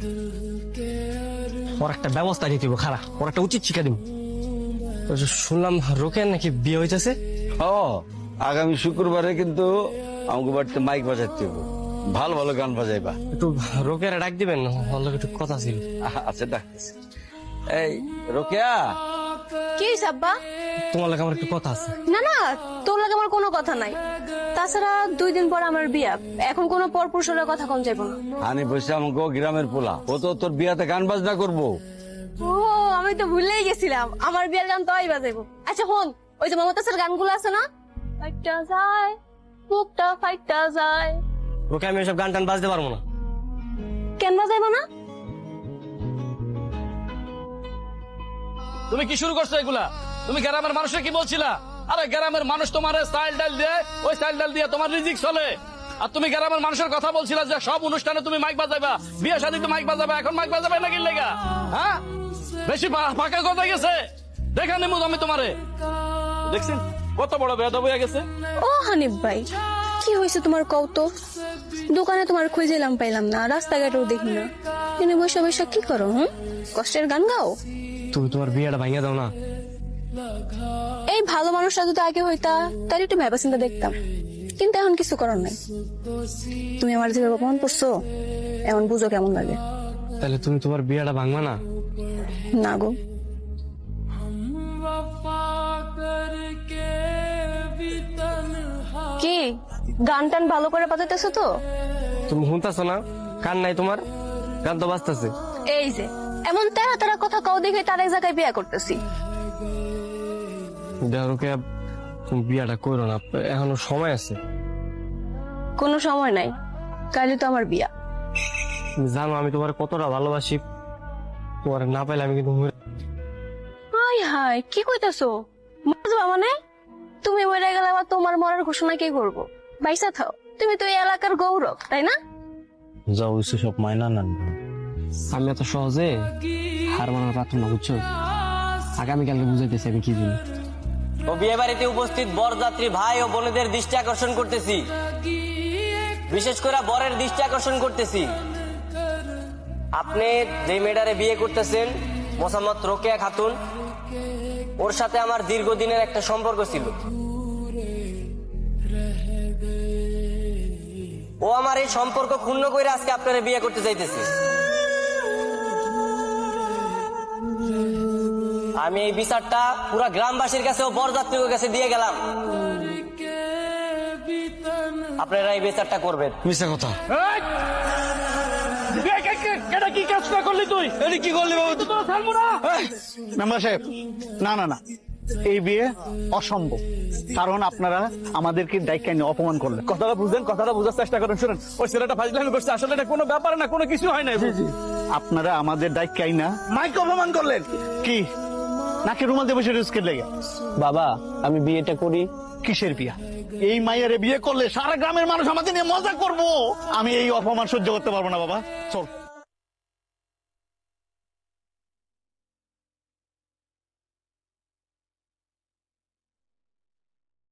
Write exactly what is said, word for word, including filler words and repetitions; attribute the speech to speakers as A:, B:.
A: ওর একটা ব্যবস্থা নিতে হবে, খারাপ ওর একটা উচিত শিক্ষা দিব। শুনলাম রোকেয়ার নাকি বিয়ে হইতেছে।
B: ও আগামী শুক্রবারে কিন্তু আমাকে বাড়িতে মাইক বাজাইতে হবে, ভালো ভালো গান বাজাইবা।
A: একটু রোকেয়ারে ডাক দিবেন, ওর লগে একটু কথা ছিল।
B: আচ্ছা ডাকতেছি। এই রোকেয়া,
C: কি হইছে আব্বা?
A: তোমার লগে আমার একটু কথা আছে।
C: না না, তোর লাগে আমার কোনো কথা নাই। তাছাড়া দুই দিন পর আমার বিয়া, এখন কোনো পরপুরুষের কথা কম যাইব না।
B: হানি বসে আমাকে গ্রামের পোলা, ও তো তোর বিয়াতে গান বাজনা করবো।
C: ও আমি তো ভুলেই গেছিলাম, আমার বিয়ার গান তো আই বাজাইবো। আচ্ছা হন, ওই যে মমতাজের গানগুলো আছে না, ফাইটটা যায় মুখটা ফাইটটা যায়।
A: ওকে আমি এসব গান টান বাজতে পারবো না।
C: কেন বাজাইবো না?
D: তুমি কি শুরু করছো এগুলা? তুমি গ্রামের মানুষের কি বলছিলা? আরে গ্রামের মানুষ তোমার স্টাইল ডাল দিয়ে, ওই স্টাইল ডাল দিয়ে তোমার রিজিক চলে। আর তুমি গ্রামের মানুষের কথা বলছিলা যে সব অনুষ্ঠানে তুমি মাইক বাজাইবা, বিয়ে শাদীতে মাইক বাজাবা, এখন মাইক বাজাবে নাকি লেগা? হ্যাঁ বেশি ফাঁকা কথা গেছে, দেখা নেবো আমি তোমারে। দেখছেন কত বড় বেয়াদব হয়ে গেছে।
C: ও হানিফ ভাই, কি হয়েছে তোমার কও তো? দোকানে তোমার খুঁজেলাম পাইলাম না, রাস্তাঘাটেও দেখি না, তুমি বসে বসে কি করো? হুম, কষ্টের গান গাও?
A: তুমি তোমার বিয়েটা ভাঙিয়ে দাও না।
C: এই ভালো মানুষটা যদি আগে হইতা তাহলে একটু ভেবা চিন্তা দেখতাম, কিন্তু এখন কিছু করার নাই। তুমি আমার যেভাবে অপমান করছো, এমন বুঝো কেমন লাগে।
A: তাহলে তুমি তোমার বিয়েটা ভাঙবা না?
C: না গো। কি গান টান ভালো করে বাজাইতেছো তো?
A: তুমি শুনতেছো না? কান নাই তোমার? গান তো বাজতেছে।
C: এই যে এমন তেরা তেরা কথা কও দেখে তার এক জায়গায় বিয়ে করতেছি।
A: দেহরকে তুমি বিয়াটা করো না, এখনো সময় আছে।
C: কোনো সময় নাই, কালই তো আমার বিয়া।
A: তুমি জানো আমি তোমার কতটা ভালোবাসি, তোমার না পাইলে আমি কিন্তু মরে-
C: হাই হাই, কি কইতাছো? মরবা মানে? তুমি মরে গেলে আবার তোমার মরার ঘোষণা কে করবো? বাইসা থাও, তুমি তো এই এলাকার গৌরব, তাই না?
A: যাও হইছে সব মাইনা না। আমি এত সহজে হার মানার পাত্র না, বুঝছো? আগামীকালকে বুঝাইতেছি আমি কি জিনিস।
E: ও বিয়ে বাড়িতে উপস্থিত বরযাত্রী ভাই ও বোনেদের দৃষ্টি আকর্ষণ করতেছি, বিশেষ করে বরের দৃষ্টি আকর্ষণ করতেছি। আপনি যে মেয়েটারে বিয়ে করতেছেন মোসাম্মদ রোকেয়া খাতুন, ওর সাথে আমার দীর্ঘদিনের একটা সম্পর্ক ছিল। ও আমার এই সম্পর্ক ক্ষুণ্ণ করে আজকে আপনারা বিয়ে করতে চাইতেছে। আমি এই বিচারটা পুরা গ্রামবাসীর কাছে ও বরযাত্রীর কাছে দিয়ে গেলাম, আপনারা এই বিচারটা করবেন।
B: মিশা কথা।
D: এটা কি কাজটা করলি তুই?
B: এটা কি করলি বাবু?
D: তো ছাড়বো না।
F: মেম্বার সাহেব, না না না, এই বিয়ে অসম্ভব। কারণ আপনারা আমাদেরকে দায়িত্ব নিয়ে অপমান করলেন।
D: কথাটা বুঝেন, কথাটা বোঝার চেষ্টা করেন। শুনেন, ওই ছেলেটা ফাজলামি করছে, আসলে এটা কোনো ব্যাপার না, কোনো কিছু হয় না।
F: আপনারা আমাদের দায়িত্ব না
D: মাইক অপমান করলেন।
F: কি নাকি রুমাল দিয়ে বসে রিস্কের লেগে?
A: বাবা আমি বিয়েটা করি।
F: কিসের বিয়া? এই মাইয়ারে বিয়ে করলে সারা গ্রামের মানুষ আমাদের নিয়ে মজা করবো। আমি এই অপমান সহ্য করতে পারবো না বাবা, চল।